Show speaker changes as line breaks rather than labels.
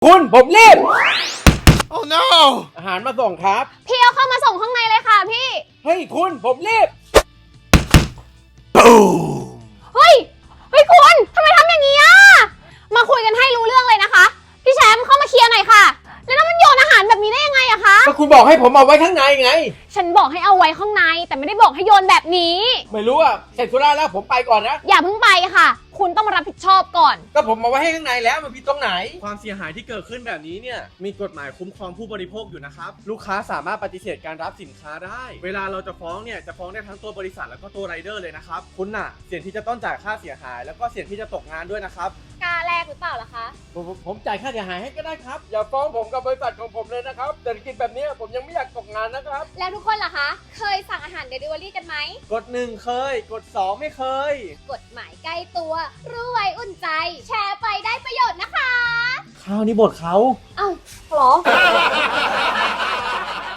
คุณผมรีบ
Oh no
อาหารมาส่งครับ
พี่เอาเข้ามาส่งข้างในเลยค่ะพี่
เฮ้ยคุณผมรีบ
Boom
เฮ้ยคุณทำไมทำอย่างนี้อ่ะมาคุยกันให้รู้เรื่องเลยนะคะพี่แชมป์เข้ามาเคลียร์หน่อยค่ะแล้วมันโยนอาหารแบบนี้ได้ยังไงอะคะ
ก็คุณบอกให้ผมเอาไว้ข้างในไง
ฉันบอกให้เอาไว้ข้างในแต่ไม่ได้บอกให้โยนแบบนี้
ไม่รู้อ่ะเสร็จธุระแล้วผมไปก่อนนะ
อย่าเพิ่งไปค่ะ คุณต้องมารับผิดชอบก่อน
ก็ผมเอาไว้ให้ข้างในแล้วมันผิดตรงไหน
ความเสียหายที่เกิดขึ้นแบบนี้เนี่ยมีกฎหมายคุ้มครองผู้บริโภคอยู่นะครับลูกค้าสามารถปฏิเสธการรับสินค้าได้ เวลาเราจะฟ้องเนี่ยจะฟ้องได้ทั้งตัวบริษัทแล้วก็ตัวไรเดอร์เลยนะครับคุณน่ะเสี่ยงที่จะต้องจ่ายค่าเสียหายแล้วก็เสี่ยงที่จะตกงานด้วยนะครับ
กล้าแลกหรือเปล่าล่ะคะ
ผมจ่ายค่าเสียหายให้ก็ได้ครับ อย่าฟ้องผมกับบริษัทของผมเลยนะครับเศรษฐกิจแบบนี้ผมยังไม่อยากตกงานนะครับ
แล้วทุกคนล่ะคะ เคยสั่งอาหารเดลิเวอรี่กันไหม
กด1เคยกด2ไม่เคย
กฎหมายใกล้ตัวรู้ไว้อุ่นใจ แชร์ไปได้ประโยชน์นะคะ
ข้าวนี่บทเขา
เอ้าเหรอ